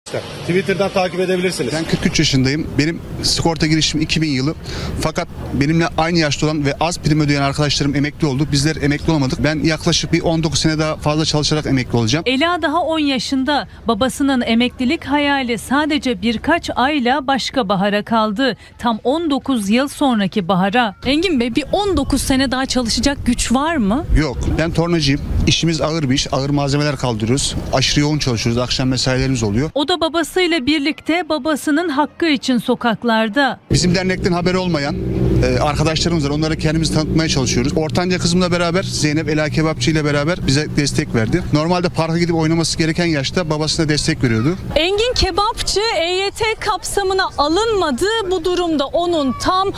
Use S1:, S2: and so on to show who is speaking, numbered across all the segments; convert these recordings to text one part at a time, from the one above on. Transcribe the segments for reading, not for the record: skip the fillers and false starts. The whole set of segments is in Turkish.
S1: Twitter'dan takip edebilirsiniz.
S2: Ben 43 yaşındayım. Benim sigorta girişim 2000 yılı. Fakat benimle aynı yaşta olan ve az prim ödeyen arkadaşlarım emekli oldu. Bizler emekli olamadık. Ben yaklaşık bir 19 sene daha fazla çalışarak emekli olacağım.
S3: Ela daha 10 yaşında. Babasının emeklilik hayali sadece birkaç ayla başka bahara kaldı. Tam 19 yıl sonraki bahara.
S4: Engin Bey, bir 19 sene daha çalışacak güç var mı?
S2: Yok. Ben tornacıyım. İşimiz ağır bir iş. Ağır malzemeler kaldırıyoruz. Aşırı yoğun çalışıyoruz. Akşam mesailerimiz oluyor.
S3: O da babasıyla birlikte babasının hakkı için sokaklarda.
S2: Bizim dernekten haberi olmayan arkadaşlarımız var. Onlara kendimizi tanıtmaya çalışıyoruz. Ortanca kızımla beraber Zeynep Ela Kebapçı ile beraber bize destek verdi. Normalde parka gidip oynaması gereken yaşta babasına destek veriyordu.
S4: Engin Kebapçı EYT kapsamına alınmadı. Bu durumda onun tam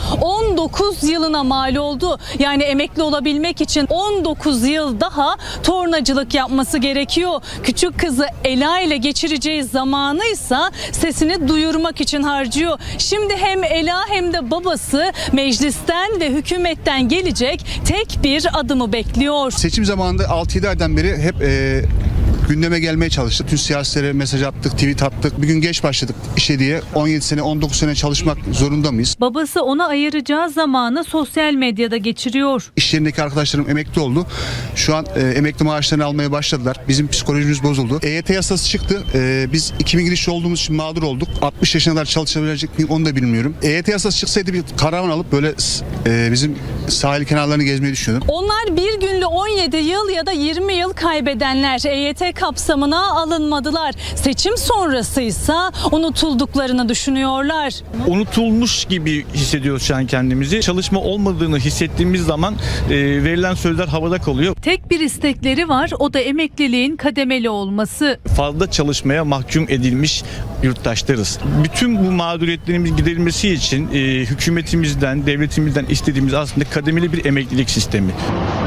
S4: 19 yılına mal oldu. Yani emekli olabilmek için 19 yıl daha tornacılık yapması gerekiyor. Küçük kızı Ela ile geçireceği zamanı ise sesini duyurmak için harcıyor. Şimdi hem Ela hem de babası meclisten ve hükümetten gelecek tek bir adımı bekliyor.
S2: Seçim zamanında 6-7 aydan beri hep gündeme gelmeye çalıştık. Tüm siyasilere mesaj attık, tweet attık. Bir gün geç başladık işe diye. 17 sene, 19 sene çalışmak zorunda mıyız?
S3: Babası ona ayıracağı zamanı sosyal medyada geçiriyor.
S2: İş yerindeki arkadaşlarım emekli oldu. Şu an emekli maaşlarını almaya başladılar. Bizim psikolojimiz bozuldu. EYT yasası çıktı. Biz 2000 girişli olduğumuz için mağdur olduk. 60 yaşına kadar çalışabilecek miyim onu da bilmiyorum. EYT yasası çıksaydı bir karavan alıp böyle bizim sahil kenarlarını gezmeyi düşünüyordum.
S4: Onlar bir günlü 17 yıl ya da 20 yıl kaybedenler. EYT kapsamına alınmadılar. Seçim sonrasıysa unutulduklarını düşünüyorlar.
S5: Unutulmuş gibi hissediyoruz şu an kendimizi. Çalışma olmadığını hissettiğimiz zaman verilen sözler havada kalıyor.
S3: Tek bir istekleri var, o da emekliliğin kademeli olması.
S5: Fazla çalışmaya mahkum edilmiş yurttaşlarız. Bütün bu mağduriyetlerimiz giderilmesi için hükümetimizden, devletimizden istediğimiz aslında kademeli bir emeklilik sistemi.